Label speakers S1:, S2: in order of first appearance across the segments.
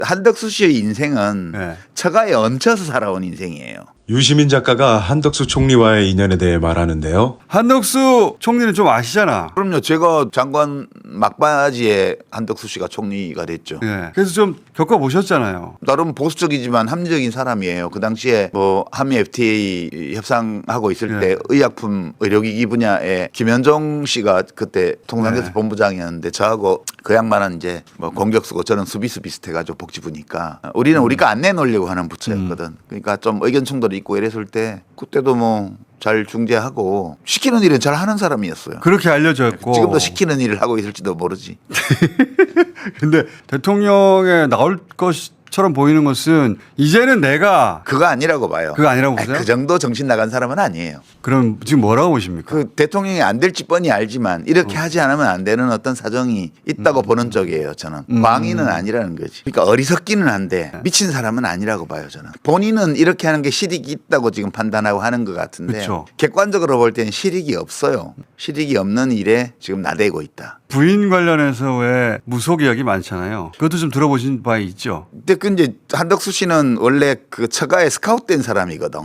S1: 한덕수 씨의 인생은
S2: 네.
S1: 처가에 얹혀서 살아온 인생이에요.
S3: 유시민 작가가 한덕수 총리와의 인연에 대해 말하는데요.
S2: 한덕수 총리는 좀 아시잖아.
S1: 그럼요. 제가 장관 막바지에 한덕수 씨가 총리가 됐죠.
S2: 예. 그래서 좀 겪어보셨잖아요.
S1: 나름 보수적이지만 합리적인 사람이에요. 그 당시에 뭐 한미 FTA 협상하고 있을 때 의약품 의료기기 분야에 김현종 씨가 그때 통상교섭 본부장이었는데 저하고 그 양반은 이제 뭐 공격수고 저는 수비수 비슷해가지고 복지부니까 우리는 우리가 안 내놓으려고 하는 부처였거든. 그러니까 좀 의견 충돌이 있고 이랬을 때 그때도 뭐 잘 중재하고 시키는 일은 잘 하는 사람이었어요.
S2: 그렇게 알려져 있고.
S1: 지금도 시키는 일을 하고 있을지도 모르지.
S2: 근데 대통령에 나올 것처럼 보이는 것은 이제는 내가
S1: 그거 아니라고 봐요.
S2: 그거 아니라고
S1: 아니,
S2: 보세요?
S1: 그 정도 정신 나간 사람은 아니에요.
S2: 그럼 지금 뭐라고 보십니까?
S1: 그 대통령이 안 될지 뻔히 알지만 이렇게 하지 않으면 안 되는 어떤 사정이 있다고 보는 쪽이에요. 저는 광인은 아니라는 거지. 그러니까 어리석기는 한데 미친 사람은 아니라고 봐요. 저는 본인은 이렇게 하는 게 실익이 있다고 지금 판단하고 하는 것 같은데
S2: 그쵸.
S1: 객관적으로 볼 때는 실익이 없어요. 실익이 없는 일에 지금 나대고 있다.
S2: 부인 관련해서 왜 무속 이야기 많잖아요. 그것도 좀 들어보신 바 있죠?
S1: 근데 그 이제 한덕수 씨는 원래 그 처가에 스카웃된 사람이거든.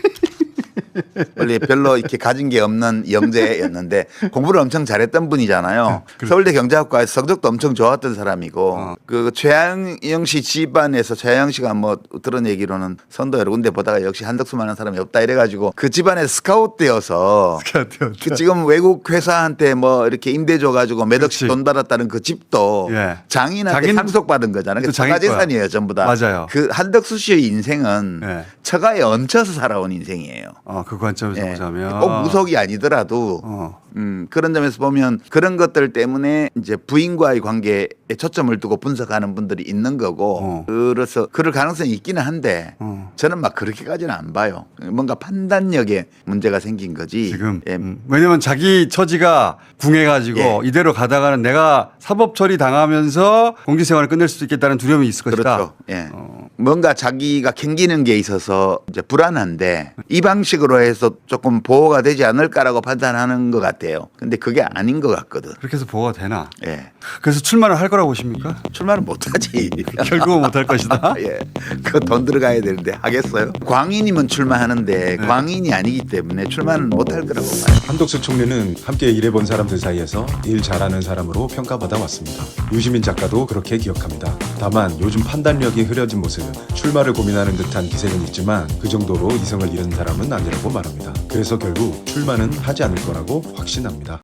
S1: 원래 별로 이렇게 가진 게 없는 영재였는데 공부를 엄청 잘했던 분이잖아요. 서울대 경제학과에서 성적도 엄청 좋았던 사람이고 그 최양영 씨 집안에서 최양영 씨가 뭐 들은 얘기로는 선도 여러 군데 보다가 역시 한덕수만한 사람이 없다 이래가지고 그 집안에 스카웃되어서 그 지금 외국 회사한테 뭐 이렇게 임대 줘가지고 몇 억씩
S2: 그렇지.
S1: 돈 받았다는 그 집도
S2: 예.
S1: 장인한테 상속받은 거잖아요.
S2: 또
S1: 그
S2: 자기
S1: 처가
S2: 거야.
S1: 재산이에요 전부 다.
S2: 맞아요.
S1: 그 한덕수 씨의 인생은
S2: 예.
S1: 처가에 얹혀서 살아온 인생이에요.
S2: 그 관점에서
S1: 예.
S2: 보자면
S1: 꼭 무속이 아니더라도 그런 점에서 보면 그런 것들 때문에 이제 부인과의 관계에 초점을 두고 분석하는 분들이 있는 거고 그래서 그럴 가능성이 있기는 한데 저는 막 그렇게까지는 안 봐요. 뭔가 판단력에 문제가 생긴 거지.
S2: 지금
S1: 예.
S2: 왜냐면 자기 처지가 궁해가지고
S1: 예.
S2: 이대로 가다가는 내가 사법 처리 당하면서 공직 생활을 끝낼 수도 있겠다는 두려움이 있을 것이다.
S1: 그렇죠. 예. 뭔가 자기가 캥기는 게 있어서 이제 불안한데 이 방식으로 해서 조금 보호가 되지 않을까라고 판단하는 것 같아요. 근데 그게 아닌 것 같거든.
S2: 그렇게 해서 보호가 되나?
S1: 예.
S2: 그래서 출마를 할 거라고 보십니까?
S1: 출마는 못하지.
S2: 결국은 못할 것이다.
S1: 예. 그거 돈 들어가야 되는데 하겠어요? 광인이면 출마하는데 광인이 아니기 때문에 출마는 못할 거라고 봐요.
S3: 한덕수 총리는 함께 일해본 사람들 사이에서 일 잘하는 사람으로 평가받아 왔습니다. 유시민 작가도 그렇게 기억합니다. 다만 요즘 판단력이 흐려진 모습, 출마를 고민하는 듯한 기세는 있지만 그 정도로 이성을 잃은 사람은 아니라고 말합니다. 그래서 결국 출마는 하지 않을 거라고 확신합니다.